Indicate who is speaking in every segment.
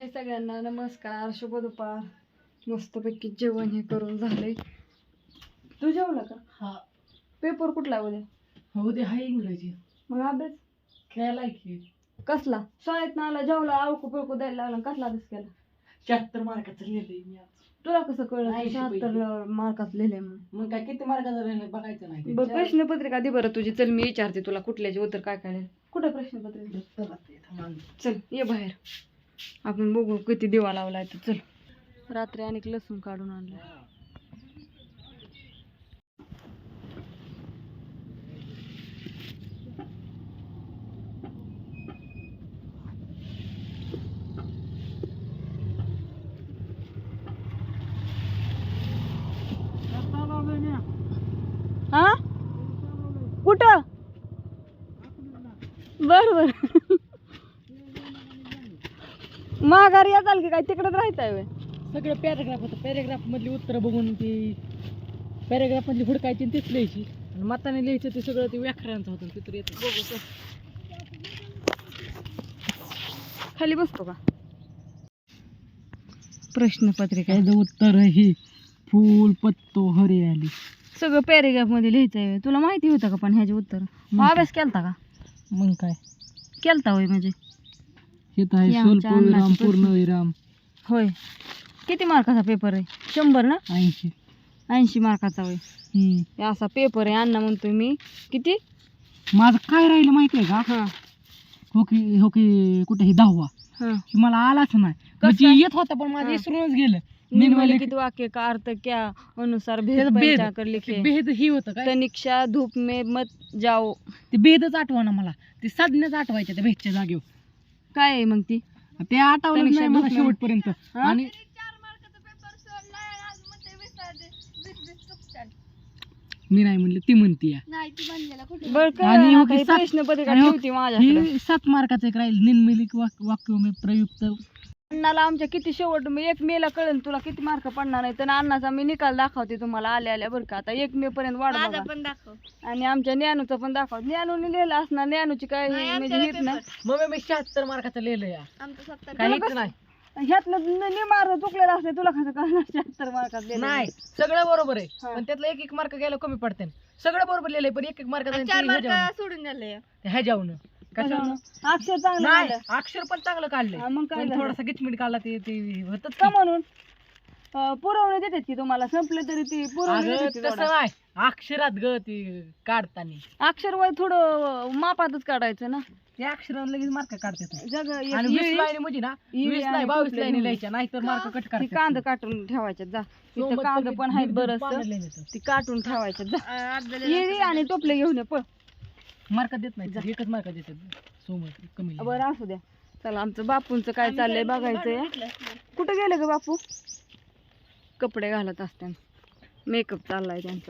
Speaker 1: सगळ्यांना नमस्कार, शुभ दुपार. मस्तपैकी जेवण हे करून झाले. तू जेवला का?
Speaker 2: हा.
Speaker 1: पेपर कुठला उद्या?
Speaker 2: उद्या हाय इंग्रजी.
Speaker 1: मग अभ्यास
Speaker 2: खेळायला की
Speaker 1: कसला? शाळेत ना आला जेवला आवकू पिळकू द्यायला लागला, कसला अभ्यास केला?
Speaker 2: 76 मार्काचं लिहिलंय मी आज.
Speaker 1: तुला कसं कळलं
Speaker 2: 80
Speaker 1: 76 मार्कात लिहिले म्हणून?
Speaker 2: मग काय किती मार्काचं लिहिलंय बघायचं नाही.
Speaker 1: बरं प्रश्नपत्रिका दे बरं तुझी. चल मी विचारते तुला कुठल्याचे उत्तर काय काय. कुठं प्रश्नपत्रिका? चल ये बाहेर, आपण बघू किती दिवा लावलाय. तर चल. रात्री अनेक लसूण काढून आणलं. हा कुठं? बर बर. माघारी येताल की काय? तिकडेच राहायचंय व्हय?
Speaker 2: सगळं पॅराग्राफ होतं. पॅराग्राफ मधली उत्तर बघून ती पॅराग्राफ मधली हुडकायची आणि तीच लिहायची. आणि मताने लिहायचं ते सगळं ते व्याकरणाचं होतं. तिथं येतं.
Speaker 1: बघू खाली बसतो का? प्रश्नपत्रिका
Speaker 2: त्याचं उत्तर ही फूल पत्तो हरियाली.
Speaker 1: सगळं पॅरेग्राफ मध्ये लिहायचंय. तुला माहिती होतं का पण ह्याचे उत्तर? अभ्यास केलता का?
Speaker 2: मग काय
Speaker 1: केलता होय? म्हणजे
Speaker 2: हे तर आहे
Speaker 1: हे आमच्या
Speaker 2: स्वल्पविराम
Speaker 1: अन्नाचे
Speaker 2: पूर्णविराम.
Speaker 1: होय. किती मार्काचा पेपर आहे? 100 ना?
Speaker 2: 80.
Speaker 1: 80 मार्काचा होय. हे असा पेपर आहे. अण्णा म्हणतोय मी किती
Speaker 2: माझं काय राहिलं माहिती आहे का?
Speaker 1: हा
Speaker 2: हो की कुठे ही 10वा
Speaker 1: हा
Speaker 2: की मला आलाच नाही. म्हणजे येत होता पण माझं
Speaker 1: हा.
Speaker 2: विसरूनच गेलं.
Speaker 1: निम्नलिखित वाक्य का अर्थ क्या अनुसार भेद
Speaker 2: त्याचं भेद.
Speaker 1: पंचाकर लिखे.
Speaker 2: भेद ही होतं काय?
Speaker 1: तनिक्षा धूप में मत जाओ.
Speaker 2: ते भेदच आठवना मला. ते साधण्याच आठवायच्या त्या भेदच्या जागेवर.
Speaker 1: काय आहे मग ती?
Speaker 2: ते आठवलं
Speaker 1: तनिक्षा
Speaker 2: नाही मला
Speaker 1: धूप में-
Speaker 2: शेवटपर्यंत.
Speaker 1: हा?
Speaker 2: आणि मी नाही म्हणलं, ती म्हणती
Speaker 1: बर
Speaker 2: आणि हो की
Speaker 1: काय
Speaker 2: सात-
Speaker 1: प्रश्नपत्रिका
Speaker 2: आणि हो-
Speaker 1: ठेवती माझ्याकडे.
Speaker 2: हे 7 मार्काचं एक राहील. निर्मिलिक वाक्य में प्रयुक्त.
Speaker 1: अण्णाला आमच्या किती शेवट मी 1 मे ला कळेल तुला किती मार्क पडणार नाही. तर अण्णाचा मी निकाल दाखवते तुम्हाला आल्या आल्या बरं का. आता 1 मे पर्यंत वाढ बघा. आणि आमच्या ज्ञानूचा पण दाखव. ज्ञानूने लिहिलं असणार. ज्ञानूची काय म्हणजे हेच ना.
Speaker 2: मग मी 76 मार्काचं लिहिलं या. काहीच नाही.
Speaker 1: ह्यातलं निमार चुकलेलं असले तुला कसं कळणार 76 मार्कात लिहिलं?
Speaker 2: नाही सगळं बरोबर आहे.
Speaker 1: हा.
Speaker 2: पण त्यातलं एक मार्क गेला कमी पडते. सगळं बरोबर लिहिलंय पण एक मार्क
Speaker 1: सोडून झालंय.
Speaker 2: ह्याच्यावून कशावरून
Speaker 1: अक्षर चांगलं
Speaker 2: नाही.
Speaker 1: आलं.
Speaker 2: अक्षर पण चांगलं काढलंय.
Speaker 1: हा, मग काय
Speaker 2: पण
Speaker 1: झालं?
Speaker 2: थोडासा गिचमिट काढला ते होतच
Speaker 1: का म्हणून पुरवणी देतात की तुम्हाला संपले तरी ती पुरवणी
Speaker 2: अगं
Speaker 1: देतात
Speaker 2: तसं
Speaker 1: थोडं.
Speaker 2: नाही. अक्षरात ग ती काढताना
Speaker 1: अक्षर वय थोडं मापातच काढायचं ना.
Speaker 2: ते अक्षरात लगेच मार्क काढतात.
Speaker 1: जग
Speaker 2: आणि 20 लाईनी म्हणजे ना 20 नाही 22 लाईनी लिहायच्या नाहीतर मार्क कट
Speaker 1: ती
Speaker 2: करायचे.
Speaker 1: कांदा काटून ठेवायच्यात जा. इथं कांदा पण आहेत बरंच. ती काटून ठेवायच्यात जा. ये आणि टोपले घेऊन ये पळ.
Speaker 2: मार्क देत नाही. एकच मार्क देतात. सोमवार कमी
Speaker 1: बरं असू द्या. चला आमचं बापूंचं काय चाललंय बघायचंय. कुठं गेलं ग बापू? कपडे घालत असते. मेकअप चाललाय त्यांचा.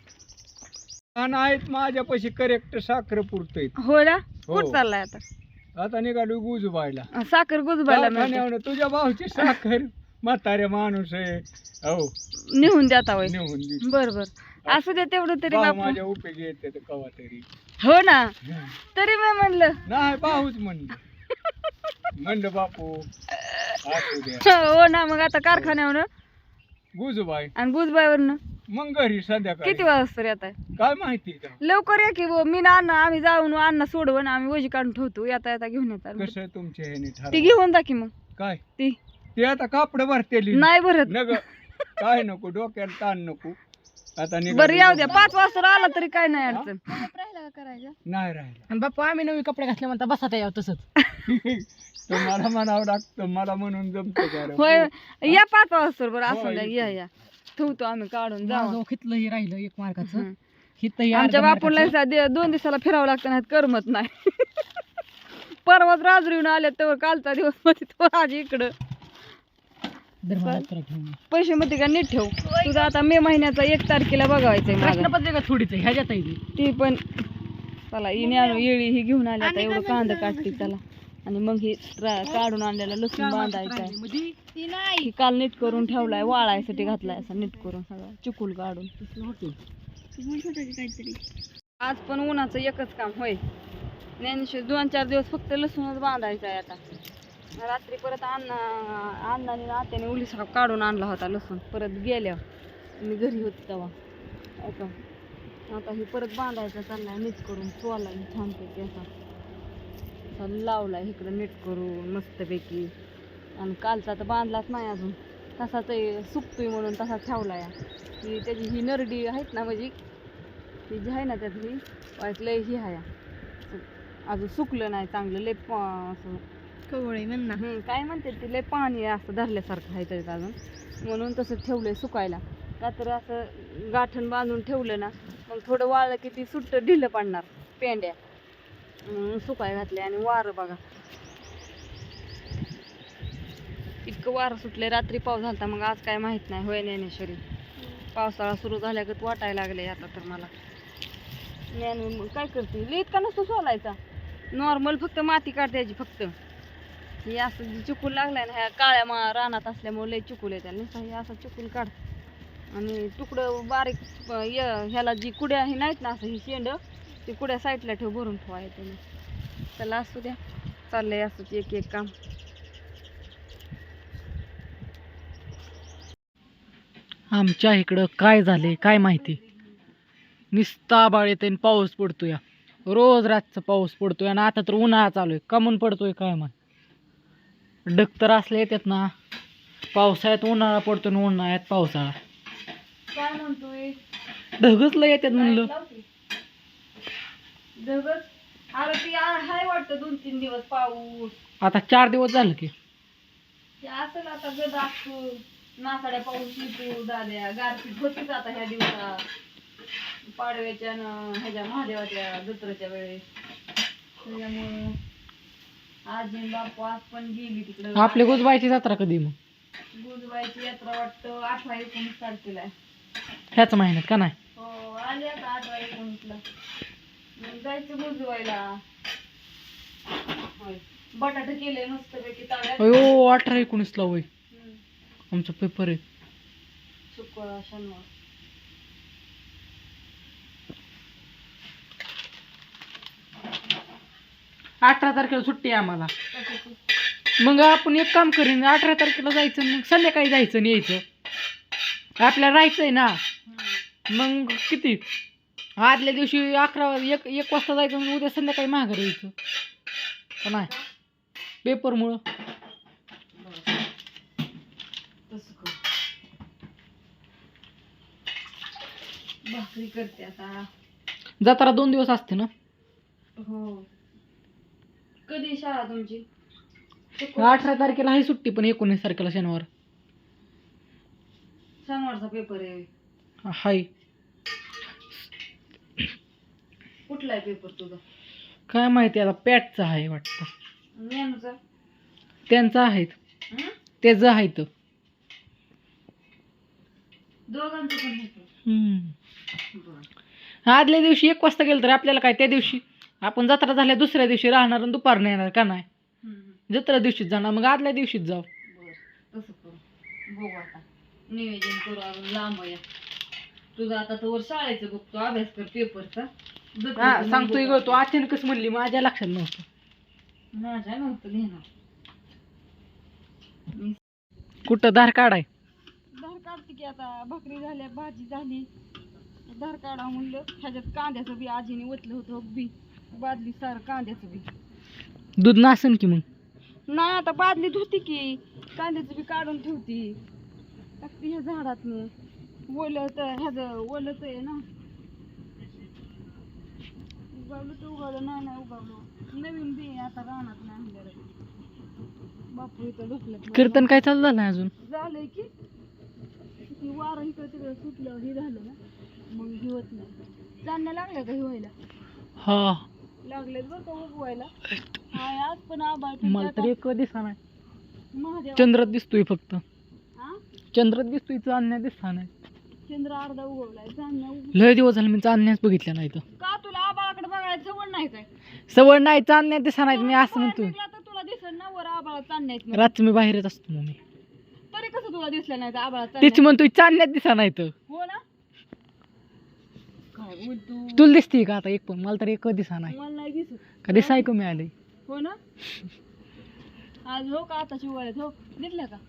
Speaker 3: आहेत माझ्यापाशी करेक्ट साखर पुरतय.
Speaker 1: हो ना.
Speaker 3: हो.
Speaker 1: कुठं चाललाय आता?
Speaker 3: आता निघालो गुजबायला.
Speaker 1: साखर गुजबायला मिळते.
Speaker 3: कारखान्यावरून तुझ्या भाऊची साखर म्हाताऱ्या माणूस आहे. हो
Speaker 1: निघून द्याता वय.
Speaker 3: नेऊन दे.
Speaker 1: बर बर असू दे तेवढं तरी
Speaker 3: भाऊ
Speaker 1: बापू.
Speaker 3: माझ्या उपयोगी येते तर कवा तरी.
Speaker 1: हो ना. तरी मी म्हणलं
Speaker 3: नाही भाऊच म्हणलं बापू असू द्या.
Speaker 1: हो ना. मग आता कारखान्यावर
Speaker 3: गुजबाई
Speaker 1: आणि गुजबाईवरनं
Speaker 3: मग घरी संध्याकाळी
Speaker 1: किती वाजता येत आहे?
Speaker 3: काय माहिती का
Speaker 1: लवकर या की बुवा. मी ना अण्णा आम्ही जाऊन अण्णा सोडवून आम्ही वजी काढून ठेवतो. येता येता घेऊन येतात.
Speaker 3: कसं तुमच्या ह्याने
Speaker 1: ती
Speaker 3: ठरव.
Speaker 1: घेऊन जा की मग.
Speaker 3: काय
Speaker 1: ती
Speaker 3: ते आता कापड भरतेली
Speaker 1: नाही भरत.
Speaker 3: नग काय नको डोक्याला ताण नको. आता
Speaker 1: बरं याऊ द्या. 5 वाजता आला तरी काय नाही अडचण.
Speaker 3: नाही राहिला.
Speaker 2: आणि बाप्पा आम्ही नवी कपडे घातले म्हणता बसा त्या तसंच.
Speaker 3: तुम्हाला म्हणावं लागतं मला म्हणून जमतं का रे?
Speaker 1: होय या 5 वाजता बरं असं
Speaker 3: होय,
Speaker 1: द्या. या या ठेवतो आम्ही काढून जाऊ.
Speaker 2: माझं हितलंही राहिलं 1 मार्काचं.
Speaker 1: हं.
Speaker 2: हितही
Speaker 1: आमच्या
Speaker 2: अर्ध्या
Speaker 1: बापूला
Speaker 2: मार्काचं.
Speaker 1: 2 दिवसाला फिरावं लागतं नाही करमत नाही. परवाच राजून आले तर कालचा दिवस मध्ये तो आज इकडं.
Speaker 2: धर्माला उत्तर ठेवून.
Speaker 1: पैसे मध्ये का नीट ठेव. तुझं आता मे महिन्याचा 1 तारखेला बघायचंय माझं.
Speaker 2: प्रश्नपत्रिका थोडीच आहे ह्याच्यात आहे ती.
Speaker 1: ती पण चला ही न्यानो येळी ही घेऊन आली आता. एवढं कांदा काढते त्याला. आणि मग ही काढून आणलेला लसूण बांधायचा आहे.
Speaker 2: म्हणजे
Speaker 1: ही काल नीट करून ठेवलाय. वाळायसाठी घातलाय असा नीट करून सगळं चिकूल काढून. आज पण उन्हाचं एकच काम होय. ज्ञानेश्वर 2-4 दिवस फक्त लसूणच बांधायचा आहे आता. रात्री परत अण्णाने आत्याने उलीस काढून आणला होता लसूण परत गेल्यावर मी घरी होती तेव्हा. आता हे परत बांधायचं चाललाय नीट करून चोला छानपैकी असा लावलाय इकडं नीट करून मस्तपैकी. आणि कालचा तर बांधलाच नाही अजून, तसाच सुकतोय म्हणून तसा ठेवलाय. ही त्याची ही नरडी आहेत ना म्हणजे ती जी आहे ना त्यात ही वाईट लय ही आहे अजून सुकलं नाही चांगलं लय असं
Speaker 2: कवळे म्हणा.
Speaker 1: काय म्हणते ते लय पाणी असं धरल्यासारखं आहे त्याच्यात अजून म्हणून तसं ठेवलंय सुकायला. का तर असं गाठण बांधून ठेवलं ना मग थोडं वाळलं की ती सुट्ट ढिलं पडणार पेंड्या म्हणून सुकाय घातले. आणि वारं बघा इतकं वारं सुटले. रात्री पाऊस झाला मग आज काय माहित नाही होय ज्ञानेश्वरी. पावसाळा सुरू झाल्यागत वाटायला लागले आता तर मला. ज्ञान काय करते लई इतका नसतो सोलायचा नॉर्मल फक्त माती काढायची फक्त. हे असं चिकूल लागलाय ना ह्या काळ्या रानात असल्यामुळे लय चिकूल येतात नुसतं हे असं चिकूल काढ. आणि तुकडं बारीक ह्याला जी कुड्या हे नाहीत ना असं ही शेंड ती कुड्या साईडला ठेव भरून ठेवाय त्याने. त्याला असू द्या चाललंय असंच एक एक काम.
Speaker 2: आमच्या इकडं काय झाले काय माहिती, निस्ता आभाळ येते आणि पाऊस पडतोय. रोज रातचा पाऊस पडतोय आणि आता तर उन्हाळा चालू आहे. कमून पडतोय काय माहिती. ढग तर असले येतात ना, पावसाळ्यात उन्हाळा पडतो आणि उन्हाळ्यात पावसाळा.
Speaker 1: काय म्हणतोय
Speaker 2: ढगच लय येतात म्हणलं.
Speaker 1: ढगच अरे ती हाय वाटतं 2-3 दिवस पाऊस.
Speaker 2: आता 4 दिवस झालं की.
Speaker 1: ते असेल आता गदा नासाड्या पाऊस येतो झाल्या गारपीट होतीच आता ह्या दिवसात पाडव्याच्या ह्याच्या महादेवाच्या दसऱ्याच्या वेळेस. त्याच्यामुळं आजी बापू आज पण गेली तिकडं.
Speaker 2: आपली गुजबाईची जत्रा कधी मग?
Speaker 1: गुजबाईची यात्रा वाटतं 18-19 तारखेला आहे.
Speaker 2: ह्याच महिन्यात का नाही?
Speaker 1: हो आली आता 18-19ला. मग जायचं गुजवायला. होय बटाटे केले मस्तपैकी ताव्यात.
Speaker 2: अयो 18-19ला होय आमचा पेपर आहे.
Speaker 1: शुक्रवार शनिवार.
Speaker 2: अठरा तारखेला सुट्टी आहे आम्हाला. मग आपण एक काम करीन 18 तारखेला जायचं मग संध्याकाळी जायचं आणि यायचं. आपल्याला राहायचंय ना. मग किती आदल्या दिवशी 1 वाजता जायचं मग उद्या संध्याकाळी माघारी यायचं का नाही पेपरमुळं.
Speaker 1: भाकरी करते आता.
Speaker 2: जत्रा 2 दिवस असते ना.
Speaker 1: हो कधी शाळा तुमची?
Speaker 2: 18 तारखेला आहे सुट्टी पण 19 तारखेला शनिवार
Speaker 1: शनिवारचा पेपर आहे.
Speaker 2: हाय.
Speaker 1: कुठला आहे पेपर तुझा?
Speaker 2: काय माहिती आता पॅटचा आहे वाटतं.
Speaker 1: ज्ञानूचा?
Speaker 2: त्यांचा आहेत त्याचं आहेत.
Speaker 1: दोघांचं पण पेपर.
Speaker 2: आदल्या दिवशी 1 वाजता गेलं तर आपल्याला काय त्या दिवशी आपण जत्रा झाल्या दुसऱ्या दिवशी राहणार आणि दुपारनं येणार का नाही. जत्रा दिवशीच जाणार मग आदल्या दिवशीच जाऊ.
Speaker 1: बरं तसं करू बघू आता नियोजन करू. अजून लांब आहे तुझं आता तर शाळेचं बघतो अभ्यास कर पेपरचा.
Speaker 2: सांगतोय ग तू अचानकच म्हणली माझ्या लक्षात नव्हतं.
Speaker 1: माझ्या नव्हतं लिहिणार.
Speaker 2: कुठं धार काढाय?
Speaker 1: धार काढते की आता भाकरी झाल्या भाजी झाली धार काढा म्हणलं. ह्याच्यात कांद्याचं बी आजीने ओतलं होतं बी बादली सारं कांद्याचं बी.
Speaker 2: दूध नासन की मग?
Speaker 1: नाही आता बादलीत होती की कांद्याचं बी काढून ठेवती टाकते ह्या झाडात ओलं तर ह्याचं ओलंच आहे ना. उगावलं तर उगावलं नाही उगावलं नवीन बी आता रानात नाही आणलेलं. बापू इथं ढोकल्यात
Speaker 2: कीर्तन काय चालू झालं अजून?
Speaker 1: झालंय की ती वारं इकडं तिकडं सुटल्यावर हे झालं ना मग हे होत नाही. चांदण्या लागल्या का हे व्हायला?
Speaker 2: हा
Speaker 1: लागलेत बरं का उगवायला. हाय आज पण आभाळ
Speaker 2: मला तर एक दिसा नाही.
Speaker 1: महादेव
Speaker 2: चंद्रात दिसतोय फक्त.
Speaker 1: हा
Speaker 2: चंद्रात दिसतोय चांदण्या दिसता नाही.
Speaker 1: चंद्र अर्धा उगवलाय चांदण्या
Speaker 2: लय दिवस झाले मी चांदण्याच बघितल्या नाही तर.
Speaker 1: का तुला आबाळाकडे बघायला सवड नाही काय?
Speaker 2: सवड नाही चांदण्या दिसा नाहीत मी असं म्हणतोय.
Speaker 1: निघला तर तुला दिसत ना वर आबाळात चांदण्या आहेत म्हणून.
Speaker 2: रात्री मी बाहेरच असतो मग मी.
Speaker 1: तरी कसं तुला दिसलं नाही आबाळात
Speaker 2: तेच
Speaker 1: चांदण्या?
Speaker 2: म्हणतोय चांदण्यात दिसा नाही तर.
Speaker 1: हो ना काय बोलतो
Speaker 2: तुला दिसते का आता एक पण? मला तर एक दिसा नाही.
Speaker 1: मला नाही दिसत.
Speaker 2: कधी सायको मिळाले.
Speaker 1: हो ना आज हो का आताची वळत हो दिसल्या का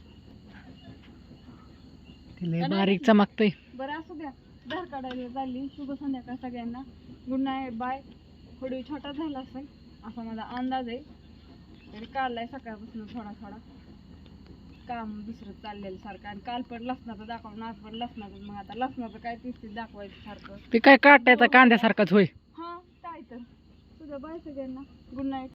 Speaker 2: तिला बारीक चमकतंय.
Speaker 1: बरं असू द्या धार काढायला चालली. शुभ संध्याकाळ सगळ्यांना. Good night bye. थोडी छोटा झाला असेल असा माझा अंदाज आहे. तरी काढलाय सकाळपासून थोडा थोडा काम दुसरं चाललेलं सारखं. आणि काल पण लसणाचं दाखवलं आज पण लसणाचं. मग आता लसणाचं काय तीच दाखवायचं सारखं.
Speaker 2: ते काय काटायचा कांद्यासारखाच होय.
Speaker 1: हा काय तर तुझ्या बाय सगळ्यांना. Good night.